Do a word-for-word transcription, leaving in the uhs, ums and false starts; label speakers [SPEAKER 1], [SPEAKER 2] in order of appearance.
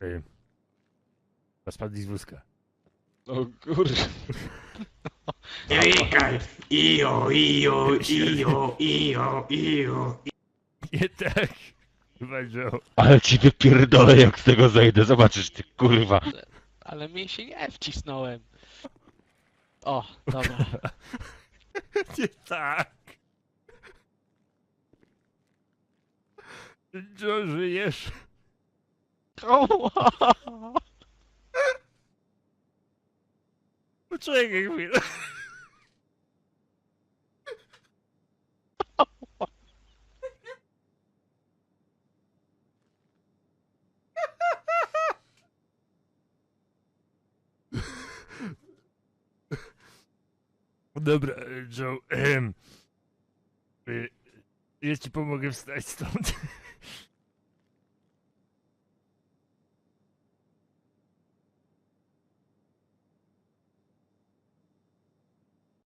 [SPEAKER 1] Ej. Spadli z wózka.
[SPEAKER 2] O kurwa.
[SPEAKER 3] Jajkaj! Ijo, ijo, ijo, ijo, ijo.
[SPEAKER 1] Nie tak. Chyba, Joe.
[SPEAKER 2] Ale ci wypierdolę jak z tego zejdę, zobaczysz ty kurwa.
[SPEAKER 4] Ale mi się nie wcisnąłem. O, dobra.
[SPEAKER 1] Nie tak. Joe, żyjesz? Poczekaj chwilę. Dobra, Joe. Ehm. Ja ci pomogę wstać stąd.